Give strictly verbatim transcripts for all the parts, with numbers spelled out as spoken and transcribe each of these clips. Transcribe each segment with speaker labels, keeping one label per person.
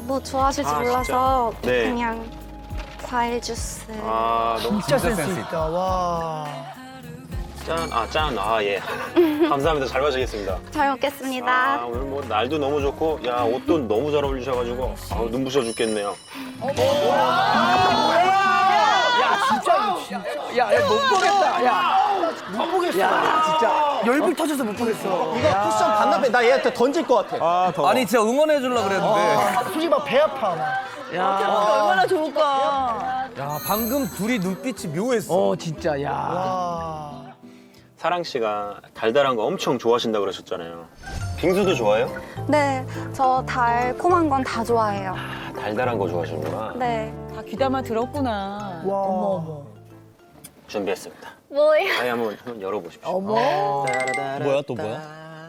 Speaker 1: 뭐 좋아하실지
Speaker 2: 아,
Speaker 1: 몰라서
Speaker 2: 진짜? 네.
Speaker 1: 그냥 과일 주스.
Speaker 2: 아, 너무
Speaker 3: 진짜 센스 있다. 와.
Speaker 2: 짠. 아, 짠. 아, 예. 감사합니다. 잘 마시겠습니다.
Speaker 1: 잘 먹겠습니다.
Speaker 2: 아, 오늘 뭐 날도 너무 좋고, 야, 옷도 너무 잘 어울리셔가지고, 아, 눈부셔 죽겠네요.
Speaker 3: 야, 진짜, 진짜. 야, 야, 못 보겠다. 야, 못 보겠어. 야, 진짜. 열불 터져서 못 보겠어.
Speaker 4: 이거 쿠션 반납해. 나 얘한테 던질 것 같아.
Speaker 2: 아, 더워.
Speaker 5: 아니 진짜 응원해 주려고 그랬는데.
Speaker 3: 솔직히 막 배 아파. 막.
Speaker 6: 얼마나 좋을까.
Speaker 5: 야 방금 둘이 눈빛이 묘했어.
Speaker 3: 어, 진짜, 야. 와.
Speaker 2: 사랑 씨가 달달한 거 엄청 좋아하신다 그러셨잖아요. 빙수도 좋아해요?
Speaker 1: 네, 저 달콤한 건 다 좋아해요.
Speaker 2: 아, 달달한 거 좋아하시는구나.
Speaker 1: 네.
Speaker 6: 다 귀담아 들었구나.
Speaker 3: 와.
Speaker 6: 어머 어머.
Speaker 2: 준비했습니다.
Speaker 1: 뭐예요?
Speaker 2: 아예 한번, 한번 열어보십시오.
Speaker 6: 어머.
Speaker 2: 따라라라따.
Speaker 4: 뭐야, 또 뭐야?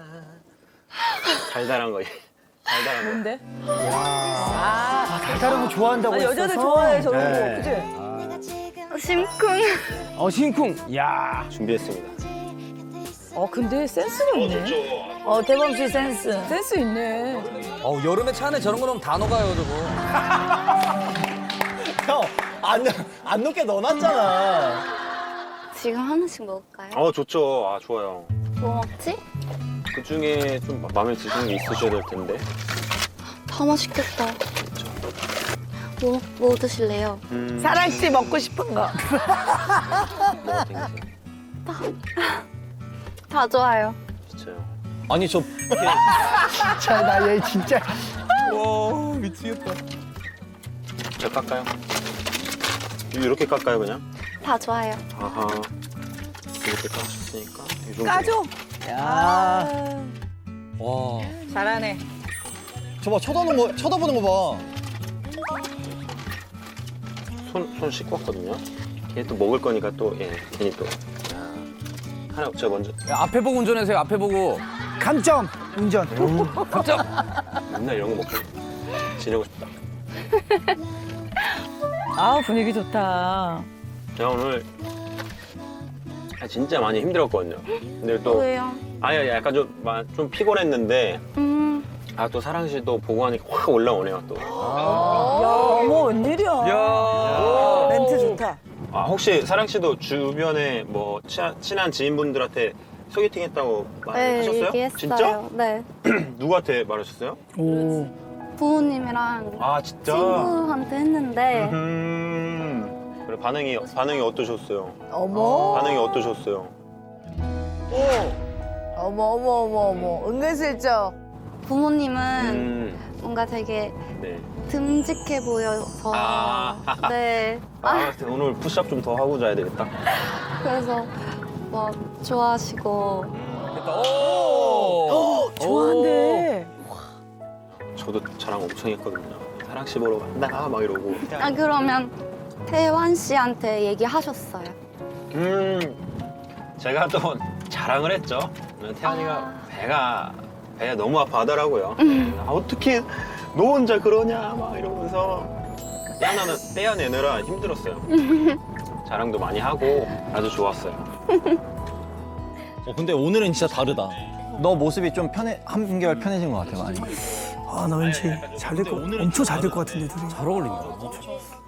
Speaker 2: 달달한 거. 달달한 거.
Speaker 6: 뭔데?
Speaker 3: 아, 달달한 거 좋아한다고
Speaker 6: 아,
Speaker 3: 했어서.
Speaker 6: 여자들 좋아해 저런
Speaker 4: 네.
Speaker 6: 거. 그치?
Speaker 1: 심쿵.
Speaker 3: 어, 심쿵. 야.
Speaker 2: 준비했습니다.
Speaker 6: 어 근데 센스가 있네. 어 대범 씨 센스. 센스 있네.
Speaker 5: 어 여름에 차 안에 저런 거 넣으면 다 녹아요 저거.
Speaker 4: 형, 안, 안 녹게 넣어놨잖아.
Speaker 1: 지금 하나씩 먹을까요?
Speaker 2: 어, 좋죠. 아, 좋아요.
Speaker 1: 뭐 먹지?
Speaker 2: 그 중에 좀 마음에 드시는 게 있으셔야 될 텐데.
Speaker 1: 다 맛있겠다. 뭐, 뭐 드실래요?
Speaker 2: 음,
Speaker 6: 사랑씨 먹고 싶은 거.
Speaker 2: 뭐가 땡기세요?
Speaker 1: 다 좋아요.
Speaker 2: 진짜요.
Speaker 4: 아니, 저
Speaker 3: 진짜, 나 얘 진짜.
Speaker 5: 와 미치겠다.
Speaker 2: 저 깎아요? 이렇게 깎아요, 그냥?
Speaker 1: 다 좋아요.
Speaker 2: 아하. 이렇게 까셨으니까. 이 정도.
Speaker 6: 까줘.
Speaker 3: 야.
Speaker 5: 와.
Speaker 6: 잘하네.
Speaker 4: 저봐 쳐다보는 거, 쳐다보는 거 봐.
Speaker 2: 손, 손 씻고 왔거든요. 걔 또 먹을 거니까 또, 예, 괜히 또. 야, 하나, 저 먼저.
Speaker 5: 야, 앞에 보고 운전하세요. 앞에 보고.
Speaker 3: 감점. 운전.
Speaker 5: 깜짝.
Speaker 2: 맨날 이런 거 먹고 지내고 싶다.
Speaker 6: 아 분위기 좋다.
Speaker 2: 제가 오늘 아, 진짜 많이 힘들었거든요. 근데 또,
Speaker 1: 왜요?
Speaker 2: 아예 약간 좀, 마- 좀 피곤했는데,
Speaker 1: 음,
Speaker 2: 아, 또 사랑 씨 또 보고 하니까 확 올라오네요, 또.
Speaker 6: 야 어머 웬일이야.
Speaker 5: 야.
Speaker 6: 멘트 좋다.
Speaker 2: 아, 혹시 사랑 씨도 주변에 뭐 친한, 친한 지인분들한테 소개팅 했다고
Speaker 1: 네,
Speaker 2: 말하셨어요?
Speaker 1: 얘기했어요.
Speaker 2: 진짜?
Speaker 1: 네.
Speaker 2: 누구한테 말하셨어요?
Speaker 3: 오.
Speaker 1: 부모님이랑
Speaker 2: 아, 진짜?
Speaker 1: 친구한테 했는데
Speaker 2: 음. 그래, 반응이, 반응이 어떠셨어요?
Speaker 6: 어머.
Speaker 2: 반응이 어떠셨어요?
Speaker 6: 어머 어머 어머 어머. 은근슬쩍.
Speaker 1: 부모님은
Speaker 2: 음.
Speaker 1: 뭔가 되게
Speaker 2: 네.
Speaker 1: 듬직해 보여서
Speaker 2: 아.
Speaker 1: 네.
Speaker 2: 아, 오늘 푸시업 좀 더 하고 자야 되겠다.
Speaker 1: 그래서 막 좋아하시고
Speaker 5: 오.
Speaker 6: 좋아한대.
Speaker 2: 저도 자랑 엄청 했거든요. 사랑 씨 보러 간다 막 이러고.
Speaker 1: 아 그러면 태환 씨한테 얘기하셨어요?
Speaker 2: 음, 제가 또 자랑을 했죠. 태연이가 배가 배가 너무 아파하더라고요. 아, 어떻게 너 혼자 그러냐 막 이러면서 떼어내는, 떼어내느라 힘들었어요. 자랑도 많이 하고 아주 좋았어요.
Speaker 4: 어, 근데 오늘은 진짜 다르다. 너 모습이 좀 편해, 한결 편해진 것 같아, 많이.
Speaker 3: 아, 나 왠지 잘 될 거, 엄청 잘 될 것 같은데, 둘이.
Speaker 5: 잘 어울린다.